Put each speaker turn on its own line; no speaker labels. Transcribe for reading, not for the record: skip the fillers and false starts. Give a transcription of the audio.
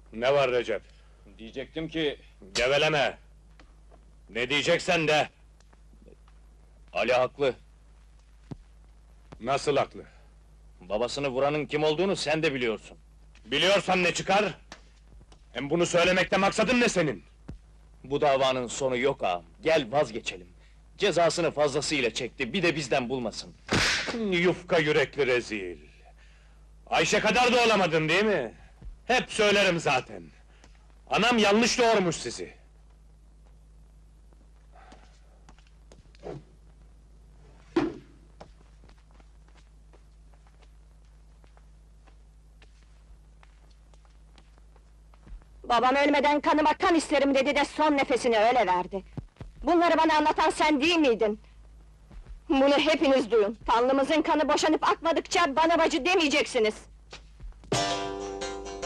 Ne var Recep?
Diyecektim ki...
Geveleme! Ne diyeceksen de!
Ali haklı.
Nasıl haklı?
Babasını vuranın kim olduğunu sen de biliyorsun.
Biliyorsan ne çıkar? Hem bunu söylemekte maksadın ne senin?
Bu davanın sonu yok ağam. Gel vazgeçelim. Cezasını fazlasıyla çekti, bir de bizden bulmasın.
Yufka yürekli rezil! Ayşe kadar da olamadın değil mi? Hep söylerim zaten! Anam yanlış doğurmuş sizi!
Babam ölmeden kanıma kan isterim dedi de son nefesini öyle verdi. Bunları bana anlatan sen değil miydin? Bunu hepiniz duyun. Tanrımızın kanı boşanıp akmadıkça bana bacı demeyeceksiniz.